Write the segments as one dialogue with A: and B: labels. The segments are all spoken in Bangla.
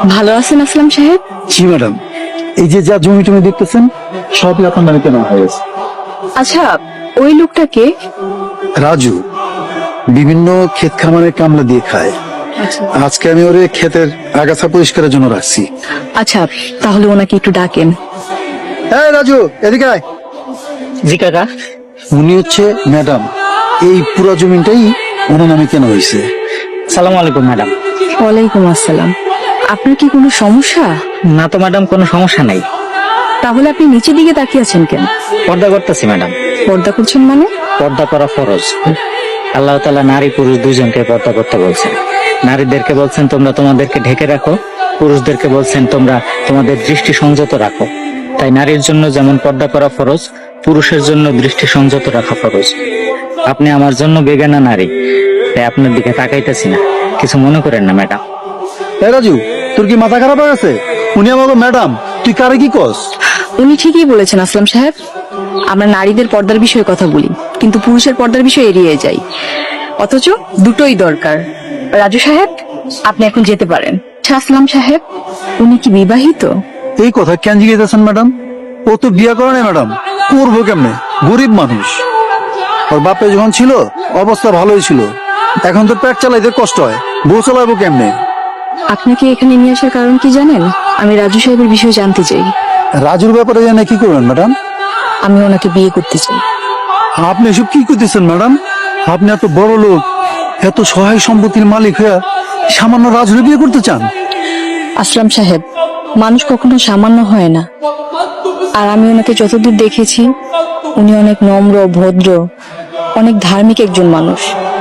A: ভালো আছেন আসলাম সাহেব?
B: জি ম্যাডাম, এই যে যা জমি টমি দেখতেছেন সবই আপনার নামে কেনা হয়ে গেছে।
A: আচ্ছা, ওই লোকটাকে?
B: রাজু বিভিন্ন ক্ষেত খামারে কামলা দিয়ে খায়। আজকে আমি ওরে ক্ষেতের আগাছা পরিষ্কারের জন্য রাখছি।
A: আচ্ছা, তাহলে ওনাকে একটু ডাকেন।
B: এই রাজু, এদিকে আয়।
C: জি কাকা।
B: উনি হচ্ছে ম্যাডাম, এই পুরো জমিটাই ওনার নামে কেনা হয়েছে।
C: সালাম আলাইকুম ম্যাডাম।
A: ওয়ালাইকুম আসসালাম। আপনার কি কোনো সমস্যা?
C: না তো ম্যাডাম, কোনো সমস্যা নাই।
A: তাহলে আপনি নিচের দিকে তাকিয়ে আছেন কেন?
C: পর্দা করতেছি ম্যাডাম।
A: পর্দা করছেন মানে?
C: পর্দা করা ফরজ। আল্লাহ তাআলা নারী পুরুষ দুইজনকে পর্দা করতে বলছেন। নারীদেরকে বলছেন তোমরা তোমাদেরকে ঢেকে রাখো, পুরুষদেরকে বলছেন তোমরা তোমাদের দৃষ্টি সংযত রাখো। তাই নারীর জন্য যেমন পর্দা করা ফরজ, পুরুষের জন্য দৃষ্টি সংযত রাখা ফরজ। আপনি আমার জন্য বেগানা নারী, তাই আপনার দিকে তাকাইতেছি না, কিছু মনে করেন না ম্যাডাম।
B: এই রাজু, তোর কি মাথা খারাপ হয়ে গেছে? উনি আমাকে ম্যাডাম, তুই কারে কি কস?
A: উনি ঠিকই বলেছেন আসলাম সাহেব। আমরা নারীদের পর্দার বিষয়ে কথা বলি, কিন্তু পুরুষের পর্দার বিষয়ে এড়িয়ে যাই। অথচ দুটোই দরকার। রাজু সাহেব, আপনি এখন যেতে পারেন। আচ্ছা আসলাম সাহেব, উনি কি বিবাহিত?
B: এই কথা কেন জিজ্ঞেসেন ম্যাডাম? ও তো বিয়া করে না ম্যাডাম, করবো কেমনে? গরিব মানুষ। ওর বাপে যখন ছিল অবস্থা ভালোই ছিল, এখন তো পেট চালাইতে কষ্ট হয়, বউ চালাবো কেমনে?
A: আপনাকে এখানে নিয়ে আসার কারণ কি জানেন? আমি রাজু সাহেবের বিষয়ে জানতে চাই।
B: রাজুর ব্যাপারে জানে কি করবেন ম্যাডাম?
A: আমি ওনাকে বিয়ে করতে চাই।
B: আপনি এসব কি করতেছেন ম্যাডাম? আপনি এত বড় লোক, এত সহায় সম্পত্তির মালিক হয়ে সামান্য রাজুরে বিয়ে করতে চান?
A: আসলাম সাহেব, মানুষ কখনো সামান্য হয় না। আর আমি ওনাকে যতদূর দেখেছি, উনি অনেক নম্র, ভদ্র, অনেক ধার্মিক একজন মানুষ।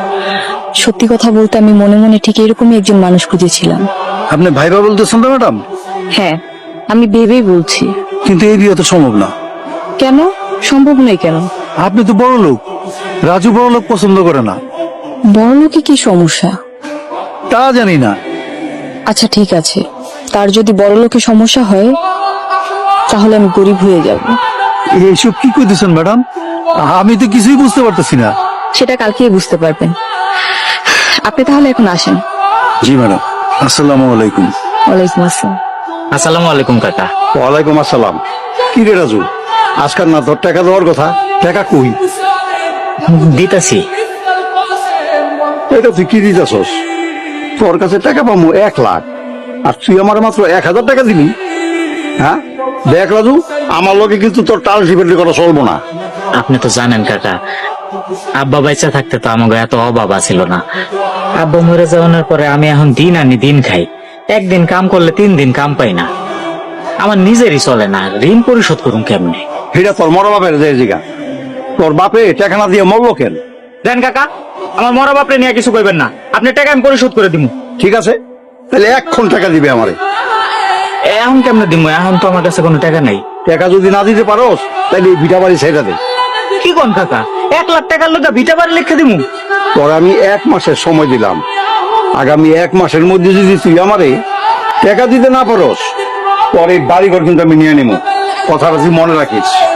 A: সত্যি কথা বলতে আমি মনে মনে ঠিক এরকমই একজন মানুষ খুঁজেছিলাম।
B: আপনি ভাইবা বলতেছেন তো ম্যাডাম?
A: হ্যাঁ, আমি ভেবেই বলছি।
B: কিন্তু এই বিয়ে তো সম্ভব না।
A: কেন সম্ভব নয়? কেন?
B: আপনি তো বড় লোক, রাজু বড় লোক পছন্দ করে না।
A: বড় লোকে কি সমস্যা?
B: তা জানি না।
A: আচ্ছা ঠিক আছে, তার যদি বড় লোকে সমস্যা হয়, তাহলে আমি গরিব হয়ে যাব।
B: এইসব কি করতেছেন ম্যাডাম? আমি তো কিছুই বুঝতে পারতেছি না।
A: সেটা কালকেই বুঝতে পারবেন। আপনি তাহলে এখন আসেন।
B: জি ম্যাডাম, আসসালামু আলাইকুম।
A: ওয়ালাইকুম আসসালাম।
C: আসসালামু আলাইকুম কাকা।
B: ওয়ালাইকুম আসসালাম। কি রে রাজু, আজকাল না তোর টাকা দেওয়ার কথা, টাকা কই?
C: দিতাছি।
B: এটা তুই কি দিতেছস? তোর কাছে টাকা পাবো 1 লাখ, আর তুই আমার মাত্র 1000 টাকা দিবি? হ্যাঁ দেখ রাজু, আমার লোকে কিন্তু তোর টাল শিবের করা চলবো না।
C: আপনি তো জানেন কাকা, আব্বা বাইচা থাকতে তো আমাকে এত অভাব ছিল না। আব্বা মরে যাওয়ার পরে আমি এখন দিন আনি দিন খাই। একদিন কাম করলে 3 দিন কাম পাই না। আমার নিজেরই চলে না, ঋণ পরিশোধ করুন কেমনে?
B: এটা তোর মরা বাপের যে জিগা, তোর বাপে টাকা না দিয়ে মরলো কেন?
C: দেন কাকা, আমার মরা বাপরে নিয়ে কিছু কইবেন না। আপনি টাকা আমি পরিশোধ করে দিব।
B: ঠিক আছে, তাহলে 1 টাকা দিবে আমারে।
C: এখন কেমনে দিব? এখন তো আমার কাছে কোনো টাকা নাই।
B: টাকা যদি না দিতে পারোস, তাহলে এই ভিটা বাড়ি ছেড়ে দে।
C: কি কোন কাকা, 1 লাখ টাকার লোক ভিটা বাড়ি লিখে দিব?
B: তোর আমি 1 মাসের সময় দিলাম, আগামী 1 মাসের মধ্যে যদি তুই আমারে টাকা দিতে না পারোস, পরে বাড়িঘর কিন্তু আমি নিয়ে নেবো। কথাটা তুই মনে রাখিস।